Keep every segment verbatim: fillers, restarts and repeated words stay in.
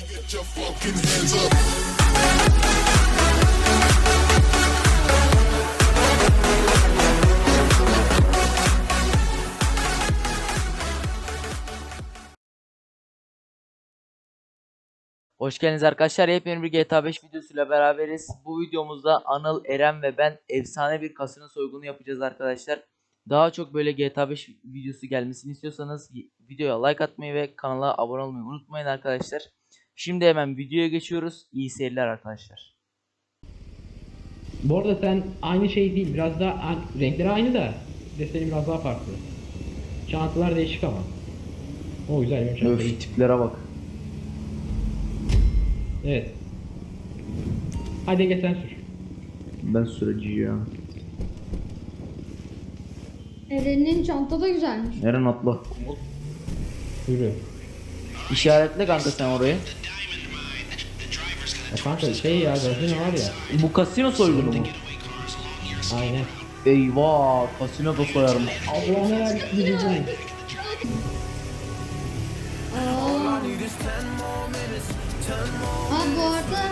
Hoş geldiniz arkadaşlar. Yepyeni bir G T A beş videosuyla beraberiz. Bu videomuzda Anıl, Eren ve ben efsane bir kasino soygunu yapacağız arkadaşlar. Daha çok böyle G T A beş videosu gelmesini istiyorsanız videoya like atmayı ve kanala abone olmayı unutmayın arkadaşlar. Şimdi hemen videoya geçiyoruz. İyi seyirler arkadaşlar. Bu arada sen aynı şey değil, biraz daha renkleri aynı da deseni biraz daha farklı. Çantalar değişik ama. O güzel bir çanta. Öf, tiplere bak. Evet. Hadi gel sen sür. Ben süreci ya. Eren'in çanta da güzelmiş. Eren atla. Yürü. İşaretle kanka sen orayı. Ya kanka şey ya, gazino var ya. Bu kasino soygunu mu? Aynen. Eyvah, kasino da soyarım. Allah'ım her bizim. Ha bu arada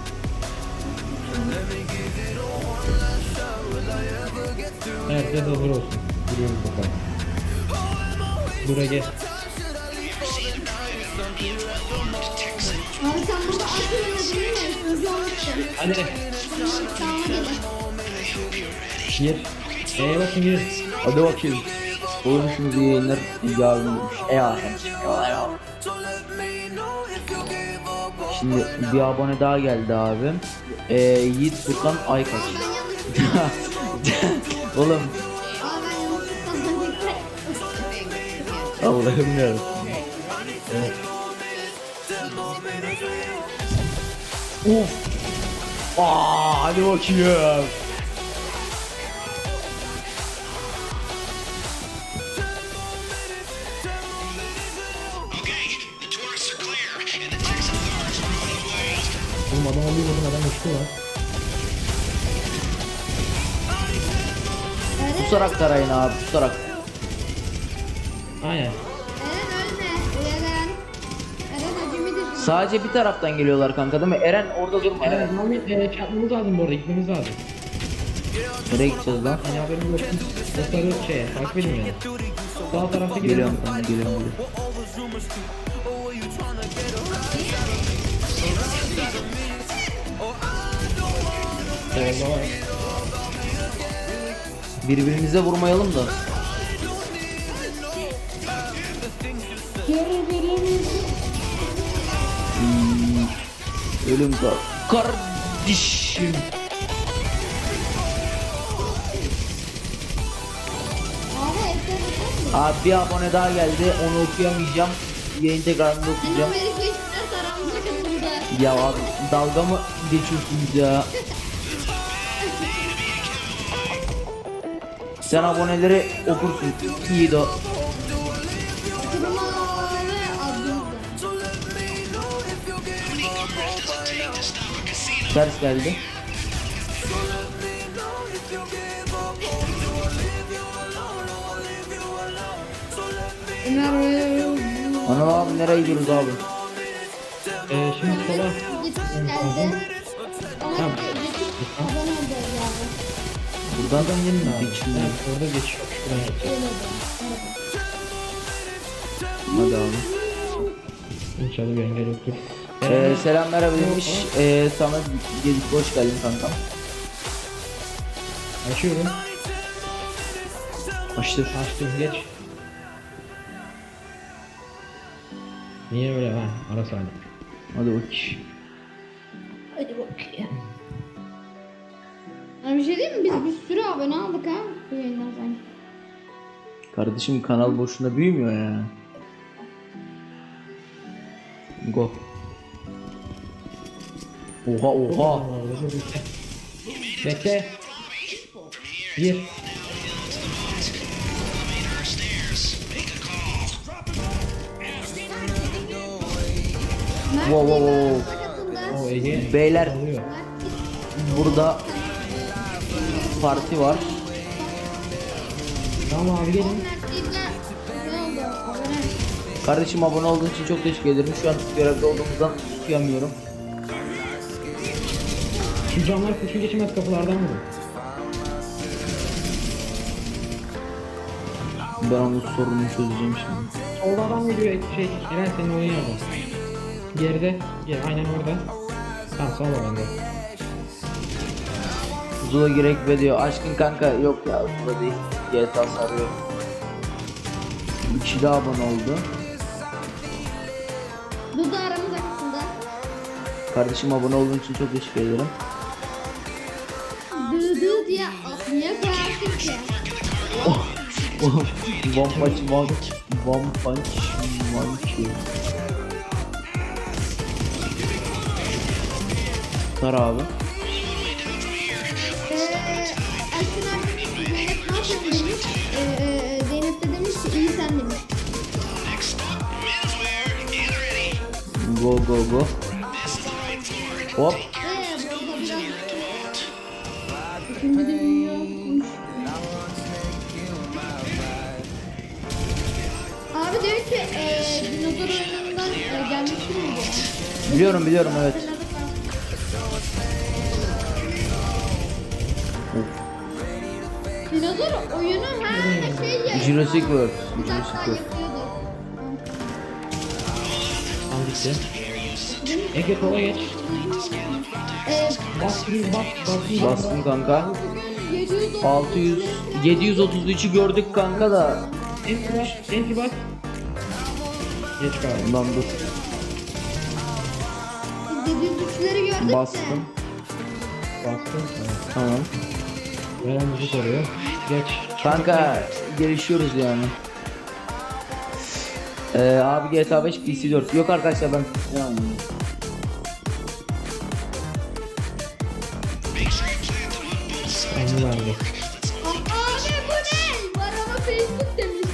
Herkes hazır olsun. Yürüyoruz bakalım. Buraya gel. abi sen burada at oynadın değil mi? Sözü unuttum. Hadi. Tamam hadi. Gir. Eee bakın gir. Hadi bakayım. Oyunumuz iyi yayınlar. İyi abimmiş. Eyvallah. Eyvallah. Şimdi bir abone daha geldi abim. Ee, Yiğit Furkan Aykaç. Oğlum. Aa ben yanlışlıkla Allah'ım yarabbim. Evet. Of. Aa, hadi bakayım. Oğlum adam alıyor, oğlum adam uçtu lan. Pusarak tarayın abi, pusarak. Aynen. Eren ölme. Eren. Eren acemi de şimdi. Sadece bir taraftan geliyorlar kanka değil mi? Eren orada durma. Evet, Muhammed e, çarpmamız lazım bu arada, gitmemiz lazım. Nereye gideceğiz lan? Hani haberim yok. Dostları şeye, takip edin yani. Sağ tarafta gidelim. Geliyorum kanka, geliyorum. geliyorum. Solda var. Birbirimize vurmayalım da. Birbirimizi. Hmm. Ölüm kar. Kardeşim. Abi evde bakar mısın? Abi bir abone daha geldi. Onu okuyamayacağım. Yayın tekrarında Senin okuyacağım. Amerika işler aramıza katıldı. Ya abi dalga mı geçiyorsunuz ya? Sen aboneleri okursun. İyi de. Kuruma ve Abdülhamid. Ters geldi. Ömer Anıl abi nereye gidiyoruz abi? E, şimdi sola. git geldi. Ama Tamam. geçip abone olacağız abi. Buradan da Gelin abi. geçmiyor. Evet, orada geçiyor. Şuradan geçeceğiz. Öyle de. Hadi abi. İnşallah bir engel yoktur. Ee, selam merhaba demiş. Ee, Samet Gedik hoş geldin kankam. Açıyorum. Açtır. Açtım, geç. Niye öyle ha? Ara sahne. Hadi bak. Hadi bakayım. Yani bir şey diyeyim mi? Biz bir sürü abone aldık ha. Bu yayından sanki. Kardeşim kanal boşuna büyümüyor ya. Go. Oha oha. Bekle. Bir. Mert Wow, wow, yayına wow. katıldı. O Ege. Beyler alıyor. burada parti var. Tamam abi gelin. Mert yayına ne oldu? Abone. Kardeşim abone olduğun için çok teşekkür ederim. Şu an görevde olduğumuzdan okuyamıyorum. Şu camlar kurşun geçmez kapılardan vurun. Ben onun sorununu çözeceğim şimdi. Solda adam geliyor şey Eren senin oyun yardım. Geride gel aynen orada. Tamam sağ ol bende. Zula gerek ve diyor. Aşkın kanka yok ya Zula değil. G T A sarıyor. Bir kişi daha abone oldu. Dudu aramız arasında. Kardeşim abone olduğun için çok teşekkür ederim. Dudu diye niye koyarsın ki? One punch one, one punch one kill. Tar abi. Eee Aşkın abi Zeynep ne yapıyorsun demiş. Eee Zeynep de demiş ki iyi sen demiş. Go go go. Hop. Eee burada biraz İkinci de büyüyormuş. Abi diyor ki eee dinozor oyunundan eee, gelmişti mi diyor. Biliyorum biliyorum evet. Dinozor oyunu ha şey ya. Jurassic World. Bir Jurassic dakika World. yapıyordu. Tam gitti. Ege sola geç. Eee Bas yürü bas bas. Bastım kanka. yedi yüz otuz altı yüz yedi yüz otuz üçü gördük kanka da. Enti bas. Enti bas. Geç kaldım. Ulan dur. yedi yüz üçleri gördük de. Bastım. Bastım. Evet. Tamam. Veren bizi soruyor. Geç. Kanka gelişiyoruz yani. Ee, abi G T A beş P C dört. Yok arkadaşlar ben yani. Onu verdi. Abi bu ne? Var ama Facebook demiş.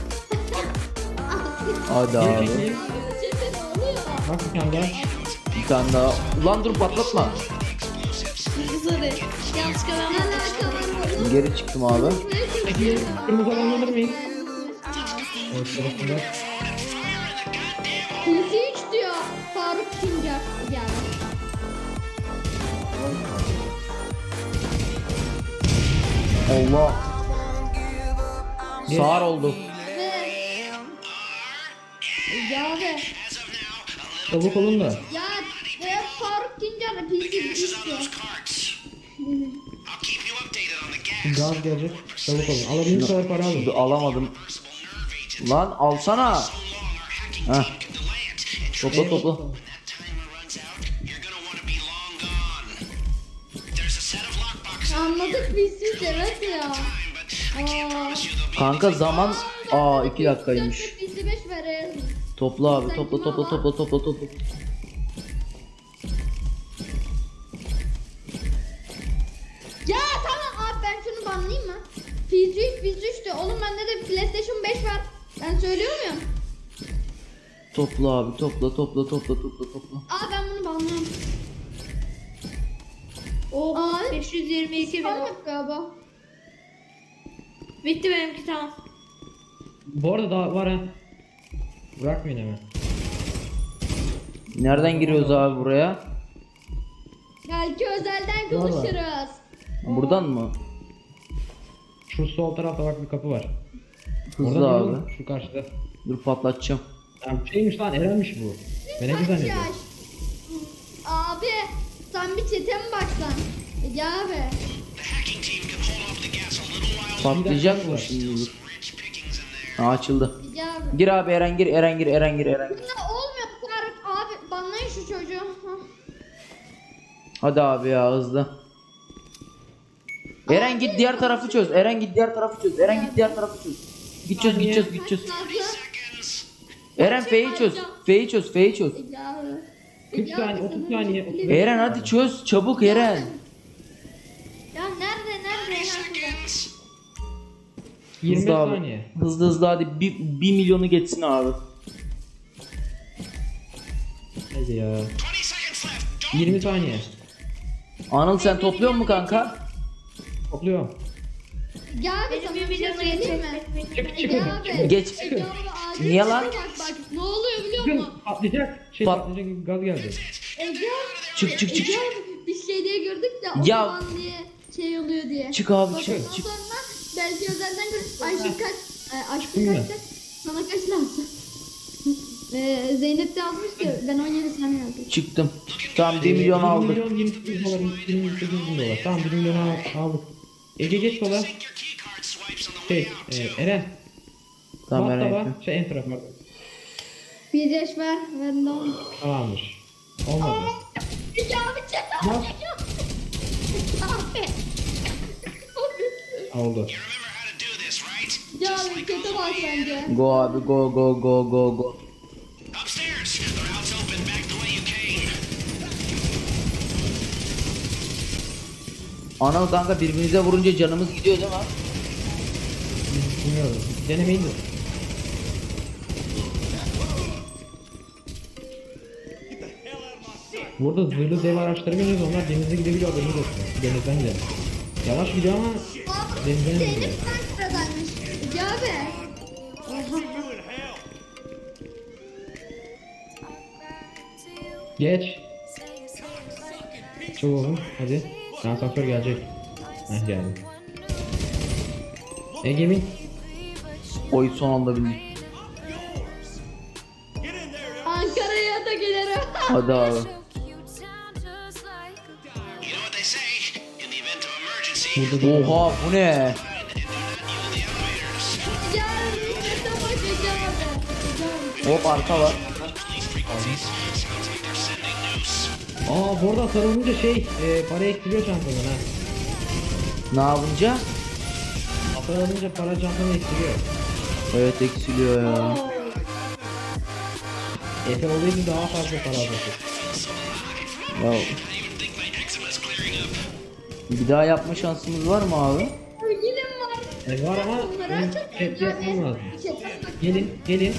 Hadi Geri abi. çekeyim. Çete ne oluyor? Bak bir tane daha. Bir tane daha. Ulan dur patlatma. Sorry. Yanlışlıkla ben Geri çıktım abi. Peki kırmızı alan alır mıyız? Evet sırasında. P C üç diyor. Faruk Tuncer geldi. Allah. Sağır oldu. Ve ya ve Çabuk olun da. ya ve Faruk Tuncer de P C üç diyor. Gaz gelecek. Çabuk olun. Alabildiğiniz kadar para alın. Dur, alamadım. Lan alsana. Heh. Topla topla. Anladık P C üç evet ya. Aa. Kanka zaman. Aa iki dakikaymış. P C beş verelim. Topla abi topla topla topla topla topla. Ya tamam abi ben şunu banlayayım mı? P C üç P C üç de oğlum bende de PlayStation beş var. Ben söylüyor muyum? Topla abi topla topla topla topla topla. Aa ben bunu banlıyorum. O abi beş yüz yirmi iki bin. tamam galiba. Bitti benimki tamam. Bu arada daha var ha. Bırakmayın hemen. Nereden giriyoruz abi buraya? Belki özelden Valla. konuşuruz. Buradan mı? Şu sol tarafta bak bir kapı var. Hızlı Oradan abi. yürüyorum, şu karşıda. Dur patlatacağım. Ya şeymiş lan Eren'miş bu. Ben ne Kaç güzel yaş? Abi sen bir çete mi baksan? Ya abi. Patlayacak mı şimdi dur. Ha, açıldı. Ya abi. Gir abi Eren gir Eren gir Eren gir Eren gir. Ya olmuyor Faruk abi banlayın şu çocuğu. Hah. Hadi abi ya hızlı. Eren git diğer tarafı çöz. Eren git diğer tarafı çöz. Eren git diğer tarafı çöz. Git çöz git çöz git çöz. Nazlı. Eren F'yi çöz. F'yi çöz F'yi çöz. Ya abi. kırk Ya saniye, abi, otuz sana saniye, bir- otuz Eren hadi çöz çabuk Eren. Ya nerede nerede nerede? yirmi Hızlı abi. saniye. Hızlı hızlı hadi bir, bir milyonu geçsin abi. Hadi ya. yirmi saniye. Anıl sen topluyor mu kanka? Topluyorum. Ya abi Benim sana bir bir şey milyonu söyleyeyim mi? geçecek. Çık çıkın. Ya abi. çıkın. Geç. Ya abi, acil Niye bir lan? şey Bak bak ne oluyor? Çıkın mu? patlayacak. Şey Pat- patlayacak gaz geldi. Ege. Çık çık çık. Ege abi bir şey diye gördük de o Ya. zaman diye şey oluyor diye. Çık abi, Bak, çık, ondan çık. sonra belki özelden görüp Ayşe kaç, e, Ayşe Çıktın mı? kaç kaç, sana kaç lazım? Ee, Zeynep de yazmış ki ben on yedi sen yazdın. Çıktım. Tamam bir milyon bir aldık. milyon yirmi sekiz dolar, yirmi sekiz bin dolar. Tamam bir milyon al- aldık. Ege geç sola. Şey, e, Eren. Tamam Bas merak taba, ettim. şey enter pardon. Bir yaş var, ben de on. Tamamdır. Olmadı. Ege abi çek Bas. abi. Oldu. Ya abi kötü bak bence. Go abi go go go go go. Upstairs. The route's open back the way you came. Anıl kanka birbirinize vurunca canımız gidiyor değil mi? Bilmiyorum. Denemeyin de. Burada zırhlı dev araçları biniyoruz. Onlar denize gidebiliyor. Haberiniz olsun. Denizden gidelim. Yavaş gidiyor ama Aa, denizden Zeynep gidiyor. sen sıradaymış. Ege abi. Oha. Geç. Çok oğlum. Hadi. Asansör gelecek. Heh geldi. Egemin. Oy son anda bindik. Ankara'ya da gelirim. Hadi abi. You know what they say? In the event of emergency, Burada da Oha bu ne? Ya kötü bak Ege abi. Ege abi. Hop arka var. Aa bu arada sarılınca şey e, para eksiliyor çantadan ha. Ne yapınca? Sarılınca para çantadan eksiliyor. Evet eksiliyor ya. Efe olaydı daha fazla para alacak. Ya. Bir daha yapma şansımız var mı abi? Sevgilim var. E, var ama Bunları benim açıp chat yapmam lazım. Chat'e bak. Gelin gelin.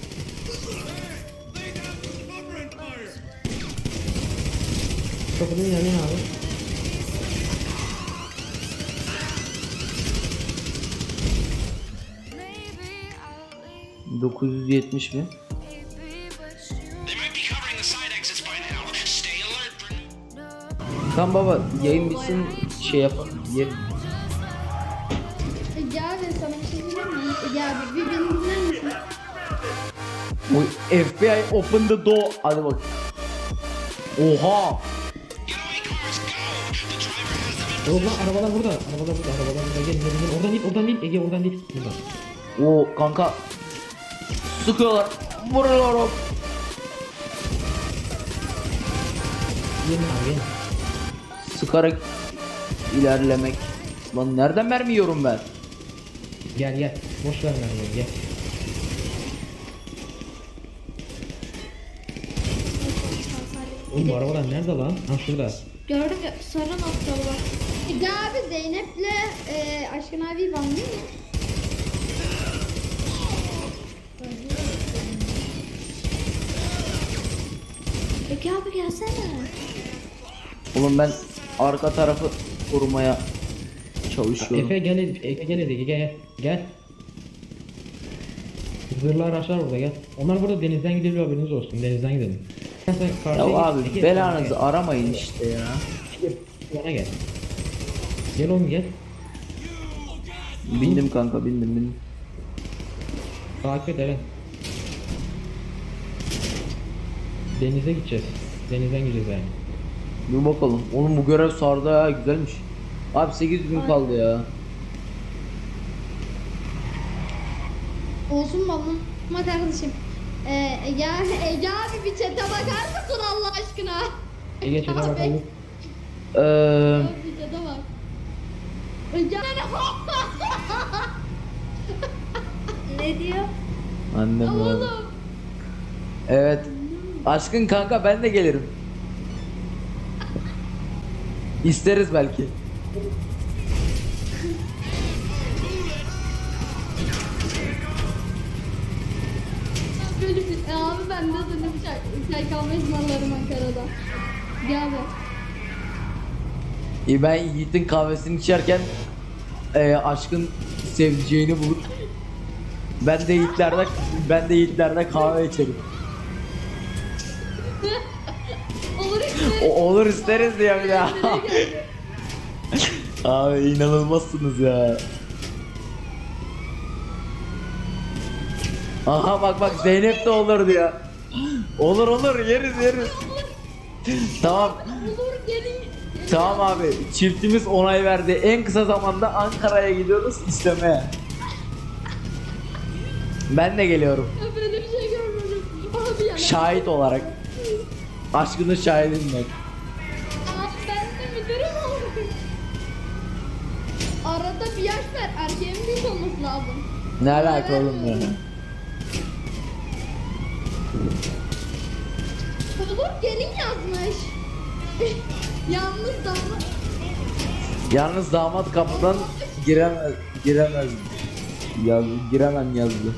Kapının yanına abi. dokuz yüz yetmiş mi? they might be covering the side exits by now. Stay alert for Tamam baba yayın bitsin şey yapalım. Yer. Ege abi sana bir şey diyeyim mi? Ege abi bir beni dinler misin? Oy, F B I open the door. Hadi bak. Oha. getaway cars. Go. The driver has them in Yok lan arabalar burada. Arabalar burada. Arabalar burada. Gelin gelin gelin. Oradan değil oradan değil. Ege oradan değil. Buradan. O kanka. Sıkıyorlar. Vuruyorum. Gelin abi gelin. Sıkarak ilerlemek. Lan nereden mermi yiyorum ben? Gel gel. Boş ver mermiyi gel. Oğlum bu arabalar nerede lan? Ha şurada. Gördük ya sarı noktalı var. Ege abi Zeynep'le e, Aşkın abi banlıyor mu? Ege abi gelsene. Oğlum ben arka tarafı korumaya çalışıyorum. Efe gel Efe gel Ege gel gel. Zırhlı araçlar burada gel. Onlar burada denizden gidebiliyor haberiniz olsun. Denizden gidelim. Sen sen Ya karşıya git, abi Ege, belanızı gel. aramayın işte ya. Ege, Bana gel. Gel oğlum gel. Bindim kanka bindim bindim. Takip et Eren. Denize gideceğiz. Denizden gideceğiz yani. Dur bakalım. Oğlum bu görev sardı ya güzelmiş. Abi sekiz gün kaldı ya. Olsun babam. Ama kardeşim. Ee, Ege, Ege abi bir çete bakar mısın Allah aşkına? Ege çete Abi. bakalım. Eee Bir çete bak. Ege ne diyor? annem abi. Oğlum. Evet. Aşkın kanka ben de gelirim. İsteriz belki. Böyle bir, e, abi ben de dönüp çay, çay kahve ısmarlarım Ankara'da. Gel be. İyi ben Yiğit'in kahvesini içerken eee, aşkın sevdiceğini bulup ben de Yiğit'lerde ben de Yiğit'lerde kahve içerim. O, olur isteriz diyor bir daha. Abi inanılmazsınız ya. Aha bak bak Zeynep de olur diyor. Olur olur yeriz yeriz. Tamam. Olur gelin. Tamam abi çiftimiz onay verdi. En kısa zamanda Ankara'ya gidiyoruz istemeye. Ben de geliyorum. Ya böyle bir şey görmedim. Abi ya. Şahit olarak. Aşkının şahidiyim ben. Abi ben de müdürüm oldum. Arada bir yaş ver. Erkeğin büyük olması lazım. Ne alaka oğlum ya? Olur gelin yazmış. Yalnız damla. Yalnız damat kapıdan giremez giremez. Yaz, giremem yazdı.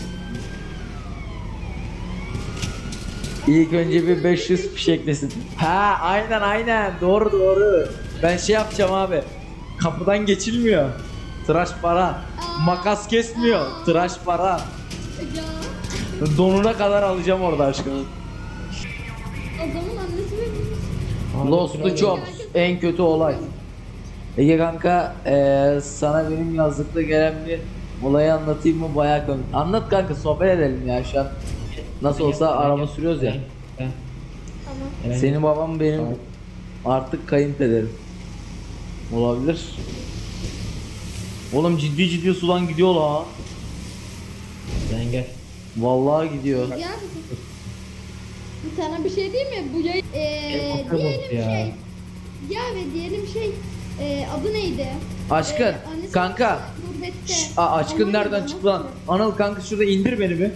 İlk önce bir beş yüz fişeklesin. Ha aynen aynen doğru doğru. Ben şey yapacağım abi. Kapıdan geçilmiyor. Tıraş para. Makas kesmiyor. Tıraş para. Ya. Donuna kadar alacağım orada aşkım. Adamın annesi benim. Abi, Lost kral- Jobs en kötü olay. Ege kanka eee, sana benim yazlıkta gelen bir olayı anlatayım mı bayağı komik. Anlat kanka sohbet edelim ya şu an. Nasıl olsa araba sürüyoruz ya. Ben- ben- Tamam. Eren- Senin babam benim Tamam. artık kayınpederim. Olabilir. Oğlum ciddi ciddi sudan gidiyor la. Sen gel. Vallahi gidiyor. Ya sana bir şey diyeyim mi? Bu yayın eee Helikopter diyelim bozdu ya. şey. Ya ve diyelim şey eee adı neydi? Aşkın, Eee, annesi kanka. gurbette. Şş, aa, aşkın Almanya'da nereden nasıl? çıktı lan? Anıl kanka şurada indir beni bir.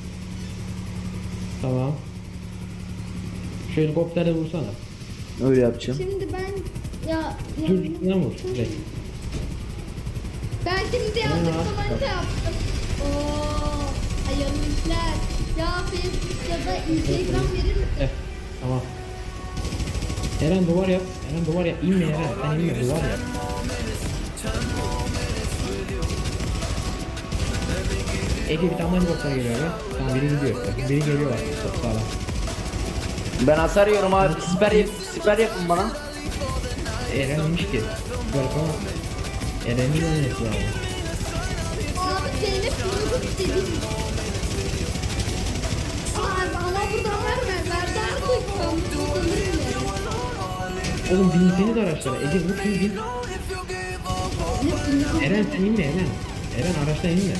Tamam. Şu helikopterle vursana. Öyle yapacağım. Şimdi ben ya Dur ya- üstünden vur. Direkt. ben şimdi yazdık Ya. falan şey yaptım. Oo, hayırlı işler. Ya Facebook ya da Instagram verir misin? Eh, tamam. Eren duvar yap. Eren duvar yap. İnme Eren. Sen inme duvar yap. Ege bir tane helikopter geliyor be. Tamam biri gidiyor. Bakın biri geliyor bak. Çok sağlam. Ben hasar yiyorum abi. Siper, yap siper yapın bana. Eren inmiş ki. Garip ama. Eren'in önüne lazım. Abi Zeynep bunu istedi. Abi ama buradan verme. Verdi artık. Ben bunu sanırım ya. Oğlum binseniz araçlara. Ege vur şunu bin. Eren sen inme Eren. Eren araçtan inme.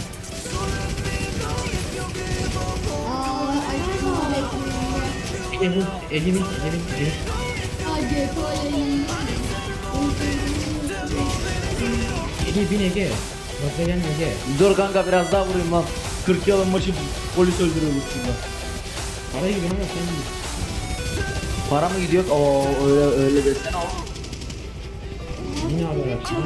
Aa, aşkım aleyküm. Ege vur. Ege bin. Ege bin. Ege bin. Ay G P O yayınlandı. Ege bin Ege. Bakla gelme Ege. Dur kanka biraz daha vurayım lan. kırk yılın başı polis öldürüyoruz şurada. Parayı gibi ama sen bin. Para mı gidiyor? Oo öyle öyle desene o. Yine abi araçtan.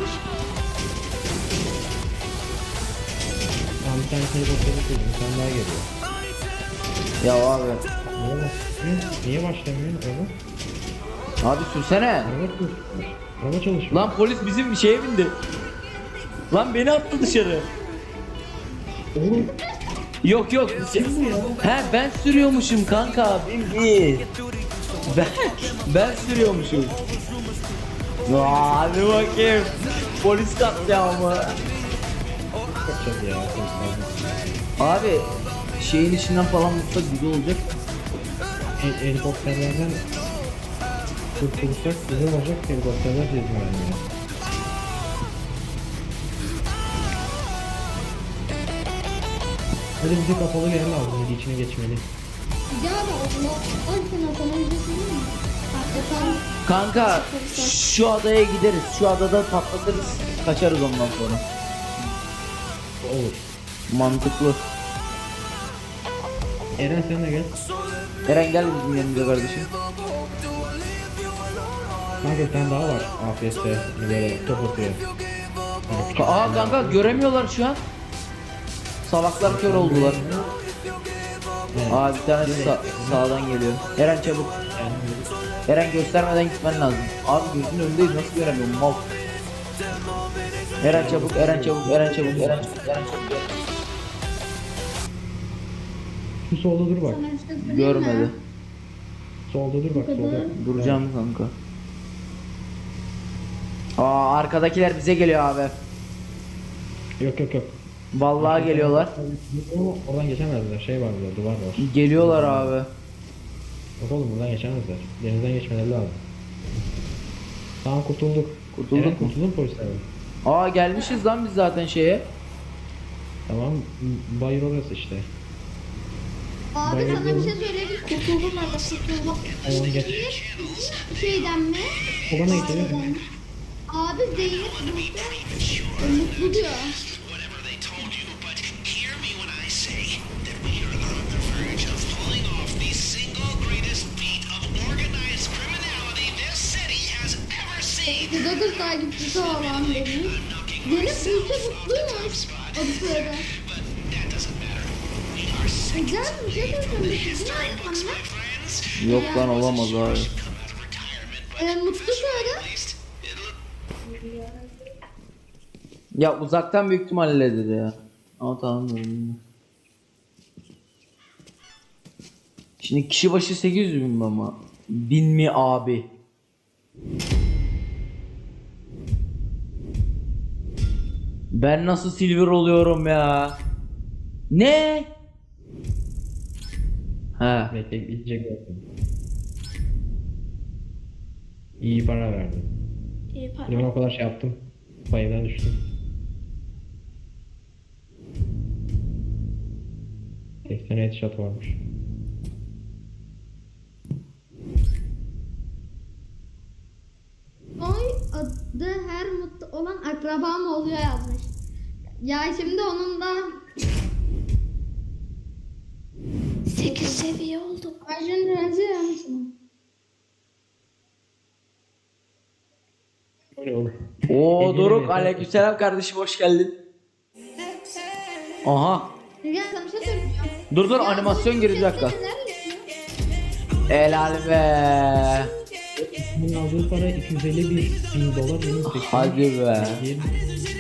Tamam bir tane helikopteri koydum. Bir tane daha geliyor. Ya abi. Niye başlamıyor? Niye başlamıyor araba? Abi sürsene. Araba çalışmıyor. Araba çalışmıyor. Lan polis bizim şeye bindi. Lan beni attı dışarı. Oğlum Yok yok. kim bu ya? He ben sürüyormuşum kanka. Bin değil. Ben ben sürüyormuşum. Aa, hadi bakayım. Polis katliamı. Kaçacağız ya. polislerden. Abi şeyin içinden falan vursak güzel olacak. Hel- helikopterlerden kurtulursak güzel olacak. Helikopterler cezmi vermiyor. Hadi bize kapalı bir yer lazım. Hadi içine geçmeli. Ya da Allah. Ay sana sana bir şey söyleyeyim mi? Hakikaten Kanka şu adaya gideriz. Şu adada patlatırız. Kaçarız ondan sonra. Olur. Mantıklı. Eren sen de gel. Eren gel bizim yanımıza kardeşim. Kanka bir tane daha var. A F S böyle top atıyor. Yani küçük Aa bir kanka tane. göremiyorlar şu an. Salaklar kör oldular. Evet. Aa bir tanesi sa- sağdan geliyor. Eren çabuk. Yani Eren göstermeden gitmen lazım. Abi gözünün önündeyiz nasıl göremiyorum mal. Eren çabuk, Eren çabuk, Eren çabuk, Eren çabuk, Eren çabuk. şu solda dur bak. sana bir şey söyleyeyim mi? Görmedi. Solda dur bak kadar. solda. Duracağım kanka. Aa arkadakiler bize geliyor abi. Yok yok yok. Vallahi geliyorlar. Ama oradan geçemezler. Şey var burada, duvar var. Geliyorlar abi. Yok oğlum buradan geçemezler. Denizden geçmeleri lazım. Tamam kurtulduk. Kurtulduk Eren, mu? kurtuldun mu polislerden? Aa gelmişiz lan biz zaten şeye. Tamam. m- Bayır orası işte. Abi Bayıldım. sana bir şey söyleyeyim. Kurtuldum ben de kurtuldum. Onu geç. Şeyden mi? Obana geçelim. Aileden. Abi Zeynep mutlu. Mutlu diyor. Whatever they told you, but hear me when I say that we are on the verge of pulling off the single greatest feat of organized criminality this city has ever seen. otuz dokuz takipçisi olan Deniz. Deniz Gülce mutluymuş. Adı soyadı. But that doesn't matter. We are sick. Güzel bir şey söyleyeyim. Değil mi Looks, anne? my friends. Yok lan olamaz abi. Come out of retirement, but Ee, mutlu soyadı. at least it'll Ya uzaktan büyük ihtimalle dedi ya. Ama tamam dedim. Şimdi kişi başı sekiz yüz bin mi ama? Bin mi abi? Ben nasıl silver oluyorum ya? Ne? Ha. Bekle içecek bakın. İyi para verdim. İyi para. Ben o kadar şey yaptım. Bayırdan düştüm. seksen headshot varmış. Oy adı her mutlu olan akrabam oluyor yazmış. Ya şimdi onun da sekiz seviye olduk. Arjun Renzi yazmışsın. O ne oğlum? Oo Hediye Doruk mi? aleykümselam kardeşim hoş geldin. Aha. Ya sana bir şey söyleyeceğim. Dur dur Ya animasyon bu geri bir dakika. sesleri nerede ya? Helal be. Bunun aldığı para iki yüz elli bin, bin dolar. Benim seksen. Hadi be. Diyelim.